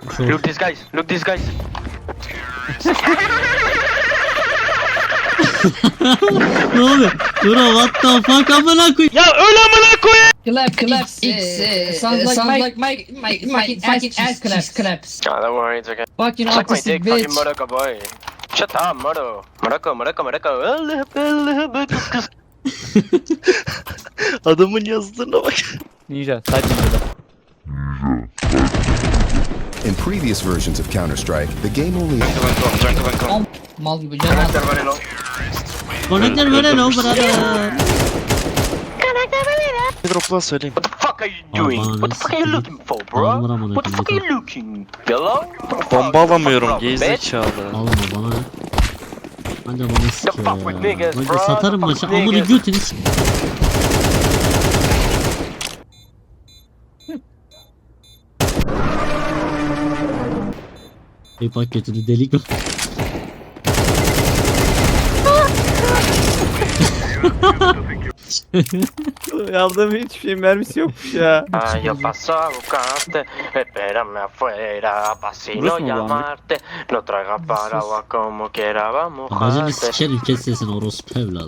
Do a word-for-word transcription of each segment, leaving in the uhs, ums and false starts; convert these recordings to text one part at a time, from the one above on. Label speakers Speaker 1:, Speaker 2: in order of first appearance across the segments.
Speaker 1: Short.
Speaker 2: Look these guys. Look these guys.
Speaker 1: Ne oluyor? Bro what the fuck amına koy.
Speaker 2: Ya öyle amına koyayım.
Speaker 3: Clap, clap, X, uh, sounds like
Speaker 4: sounds
Speaker 3: my,
Speaker 4: like
Speaker 3: my, my, fucking, fucking ass claps, claps.
Speaker 2: Ah, don't worry, it's okay.
Speaker 3: Fucking
Speaker 2: Suck my
Speaker 3: autistic
Speaker 2: dick, fucking
Speaker 3: bitch.
Speaker 2: Morocco boy. Shut up, Moro. Morocco, Morocco, Morocco.
Speaker 5: Adamın yazdığına bak.
Speaker 6: Ninja, side ninja.
Speaker 7: In previous versions of Counter-Strike, the game only
Speaker 3: Mal gibi canım.
Speaker 1: Connector böyle no brother.
Speaker 5: Drop'la söyleyeyim.
Speaker 2: What the fuck are you doing? What the fuck are you looking for,
Speaker 1: Aldır
Speaker 2: bro?
Speaker 1: amına
Speaker 2: What the fuck are
Speaker 1: koyayım.
Speaker 2: you looking? Hello?
Speaker 5: Bomba alamıyorum
Speaker 2: Bitch.
Speaker 5: gerizekalı.
Speaker 1: Alma bana ne? Anca bana sikiyor
Speaker 2: fuck with
Speaker 1: ya.
Speaker 2: niggas,
Speaker 1: Bence
Speaker 2: bro.
Speaker 1: satarım
Speaker 2: The fuck
Speaker 1: maçı.
Speaker 2: with
Speaker 1: Amını
Speaker 2: niggas.
Speaker 1: götünü s- Bir paketini delik o.
Speaker 6: Aldığım hiçbir şeyin mermisi yokmuş ya.
Speaker 2: Ah, yo paso a buscarte, espérame afuera, pa' si
Speaker 6: Burası
Speaker 2: no
Speaker 6: mı bu amir?
Speaker 2: llamarte, no traigas paraguas como quiera, vamos
Speaker 1: Bacını
Speaker 2: jarte.
Speaker 1: sikerim kes sesini orospu evladı.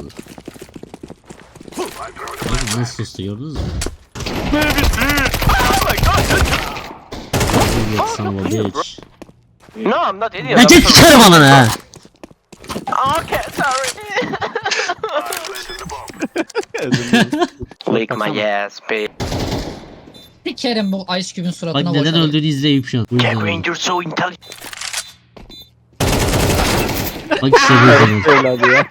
Speaker 1: Abi nasıl sustu gördünüz mü? Yok sana bitch.
Speaker 2: No, I'm not idiot.
Speaker 1: Ya
Speaker 2: I'm
Speaker 1: çek
Speaker 2: sorry.
Speaker 1: sikerim ananı ha.
Speaker 2: Okay, sorry. Lick my ass, bitch.
Speaker 3: Sikerim bu Ice Cube'ün suratına
Speaker 1: Bak neden
Speaker 3: boşalım.
Speaker 1: öldüğünü izleyip şu an. Bu yüzden
Speaker 2: Kevin,
Speaker 1: öldü.
Speaker 2: you're so intelligent.
Speaker 1: Bak işte bu yüzden öldü.
Speaker 6: Evladı ya.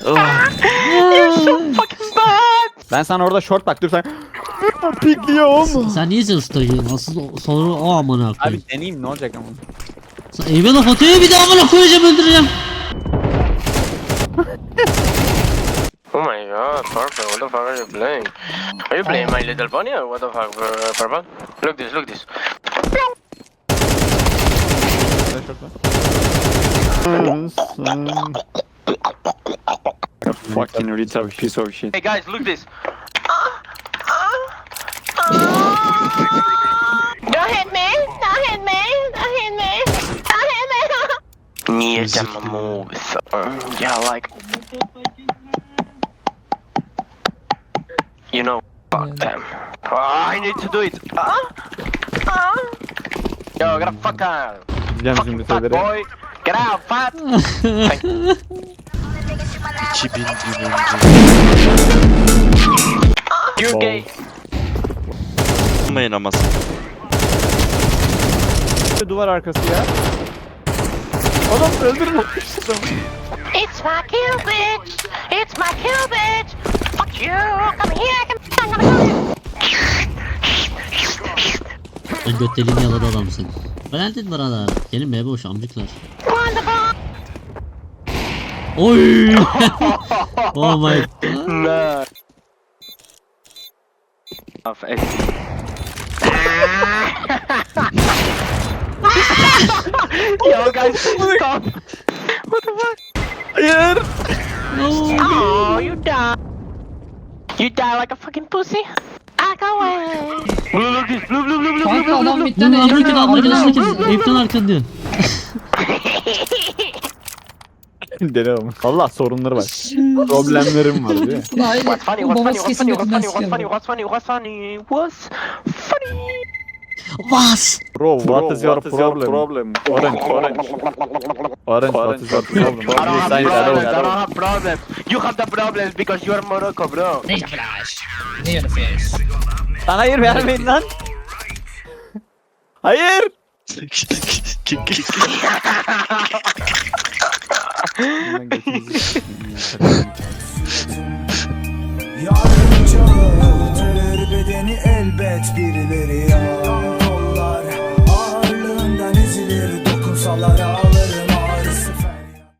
Speaker 2: Fucking bad.
Speaker 6: Ben sana orada short bak dur sen. Pikliyorum.
Speaker 1: Sen niye ses takıyorsun? Asıl o- sonra o amına koyayım.
Speaker 6: Abi deneyeyim ne olacak ama.
Speaker 1: Sen eyve laf atıyor bir de amına koyacağım öldüreceğim.
Speaker 2: Oh my god, Purple, what the fuck are you playing? Are you playing My Little Pony or what the fuck, uh, Purple? Look this, look this.
Speaker 6: Fucking retard piece of shit.
Speaker 2: Hey guys, look this.
Speaker 4: Don't hit me! Don't hit me! Don't hit me! Don't hit me!
Speaker 2: Near them moves. Uh, yeah, like. You know, fuck them. Oh, I need to do it. Uh, uh. Yo, get a fuck out.
Speaker 6: Bileceğim
Speaker 2: Fucking
Speaker 6: şimdi
Speaker 2: fat
Speaker 6: şeyleri.
Speaker 2: boy. Get out, fat.
Speaker 5: iki bin gün önce.
Speaker 2: You're gay.
Speaker 5: Olmayın ama.
Speaker 6: Duvar arkası ya. Adam öldürme.
Speaker 4: It's my kill, bitch! It's my kill, bitch! Fuck you! Come here! Come I'm gonna kill you!
Speaker 1: Ben göt deliğini yaladı adam seni. Branded brother. Gelin be boş amcıklar.
Speaker 4: Wonderful!
Speaker 1: Oy. Oh my god.
Speaker 2: No. Of it. Yo, guys, stop. What the fuck?
Speaker 6: Hayır.
Speaker 4: Oh, you die! You die like a fucking pussy! I go away!
Speaker 2: Blue, look this. Blue, blue, blue, blue, blue,
Speaker 3: Kanka
Speaker 2: blue,
Speaker 3: adam
Speaker 2: blue.
Speaker 3: midden
Speaker 1: Bunu amına koyayım amına koyayım
Speaker 3: eğleniyor.
Speaker 1: amına koyayım. Eyüpten arkan diyor.
Speaker 6: Deli olmuş. Valla sorunları var. Problemlerim var değil mi?
Speaker 3: Ulan öyle.
Speaker 2: What's funny?
Speaker 3: Bu
Speaker 2: What's funny?
Speaker 3: babası
Speaker 2: What's
Speaker 3: kesin
Speaker 2: funny? What's
Speaker 3: götünden
Speaker 2: funny? What's funny?
Speaker 3: sikiyor.
Speaker 2: What's funny? What's funny? What's funny?
Speaker 1: Vas.
Speaker 6: Bro, what is your problem? Orange, orange. Orange, what is your problem?
Speaker 2: I don't have
Speaker 6: Sign it
Speaker 2: problems. I
Speaker 6: alone.
Speaker 2: don't have problems. You have the problems because you are Morocco, bro.
Speaker 3: Ninja flash. Ninja flash.
Speaker 6: Lan hayır vermeyin lan. Hayır.